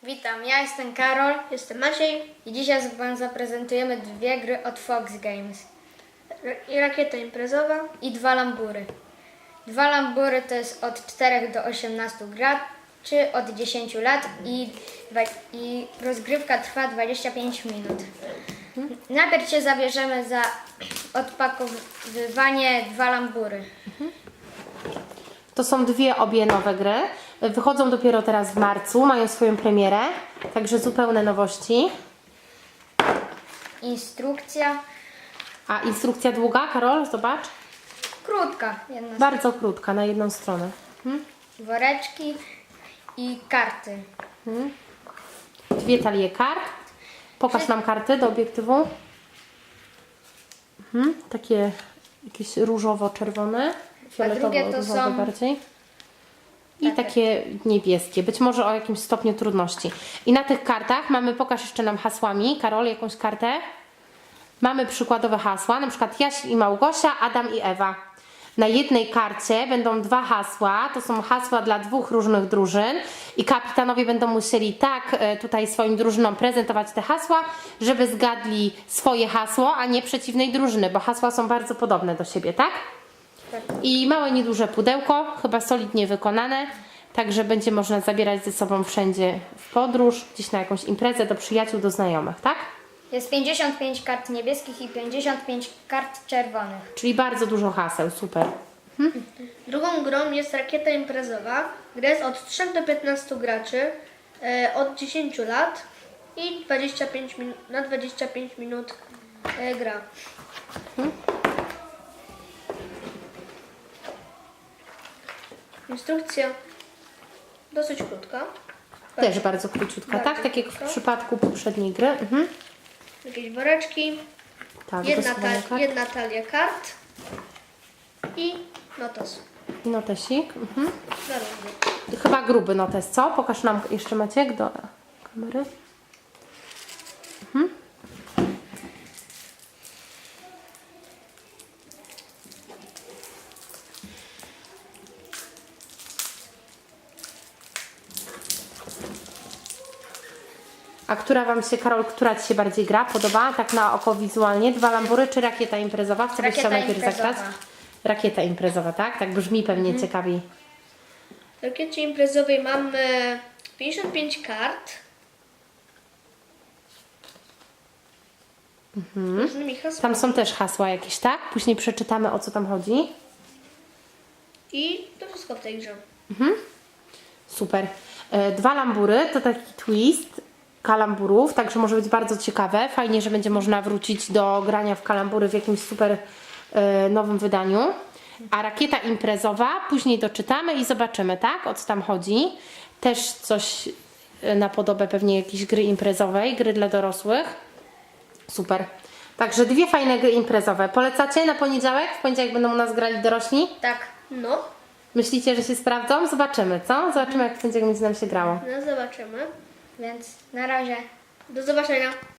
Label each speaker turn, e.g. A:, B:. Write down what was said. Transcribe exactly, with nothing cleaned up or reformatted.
A: Witam, ja jestem Karol
B: Jestem Maciej
A: i dzisiaj Wam zaprezentujemy dwie gry od Fox Games
B: i rakieta imprezowa.
A: i dwa lambury. Dwa lambury to jest od czterech do osiemnastu graczy, od dziesięciu lat i, dwa- i rozgrywka trwa dwadzieścia pięć minut. Najpierw się zabierzemy za odpakowywanie dwa lambury.
C: To są dwie obie nowe gry. Wychodzą dopiero teraz w marcu, mają swoją premierę, także zupełne nowości.
A: Instrukcja
C: A instrukcja długa, Karol, zobacz.
A: krótka, jedna z
C: Bardzo krótka, na jedną stronę.
A: woreczki i karty.
C: Dwie talie kart. Pokaż nam karty do obiektywu. Mhm. Takie jakieś różowo-czerwone,
A: drugie to
C: fioletowo-różowe
A: są-
C: bardziej. I
A: Takie.
C: takie niebieskie, być może o jakimś stopniu trudności. I na tych kartach mamy, pokaż jeszcze nam hasłami, Karol, jakąś kartę. Mamy przykładowe hasła, na przykład Jaś i Małgosia, Adam i Ewa. Na jednej karcie będą dwa hasła, to są hasła dla dwóch różnych drużyn i kapitanowie będą musieli tak e, tutaj swoim drużynom prezentować te hasła, żeby zgadli swoje hasło, a nie przeciwnej drużyny, bo hasła są bardzo podobne do siebie, tak? I małe, nieduże pudełko, chyba solidnie wykonane, także będzie można zabierać ze sobą wszędzie w podróż, gdzieś na jakąś imprezę, do przyjaciół, do znajomych, tak?
A: Jest pięćdziesiąt pięć kart niebieskich i pięćdziesiąt pięć kart czerwonych.
C: Czyli bardzo dużo haseł, super.
B: Drugą grą jest rakieta imprezowa. Gra jest od trzech do piętnastu graczy, e, od dziesięciu lat i dwadzieścia pięć min- na dwadzieścia pięć minut e, gra. Instrukcja dosyć krótka.
C: Też bardzo króciutka,
B: Bardzo
C: tak? Tak jak w
B: krótka.
C: przypadku poprzedniej gry. Mhm.
B: Jakieś woreczki,
C: Tak,
B: jedna,
C: dosuwanie
B: ta-
C: kart.
B: jedna talia kart i notes.
C: I notesik. Mhm.
B: Na rundy.
C: Chyba gruby notes, co? Pokaż nam jeszcze, Maciek, do kamery. Mhm. A która Wam się, Karol, która Ci się bardziej gra? Podoba? Tak na oko wizualnie? Dwa lambury czy rakieta imprezowa? Co byś
A: Rakieta
C: chciał najpierw
A: imprezowa.
C: zagrać? Rakieta imprezowa, tak? Tak brzmi pewnie ciekawiej.
B: W rakiecie imprezowej mamy pięćdziesiąt pięć kart. Z różnymi hasłami.
C: Tam są też hasła jakieś, tak? Później przeczytamy, o co tam chodzi.
B: I to wszystko w tej grze.
C: Super. E, Dwa lambury to taki twist kalamburów, także może być bardzo ciekawe. Fajnie, że będzie można wrócić do grania w kalambury w jakimś super e, nowym wydaniu. A rakieta imprezowa, później doczytamy i zobaczymy, tak? O co tam chodzi. Też coś e, na podobę pewnie jakiejś gry imprezowej, gry dla dorosłych. Super. Także dwie fajne gry imprezowe. Polecacie na poniedziałek? W poniedziałek będą u nas grali dorośli?
A: Tak.
B: No,
C: Myślicie, że się sprawdzą? Zobaczymy, co? Zobaczymy, jak w poniedziałek będzie nam się grało.
B: no zobaczymy.
A: Więc na razie.
B: Do zobaczenia.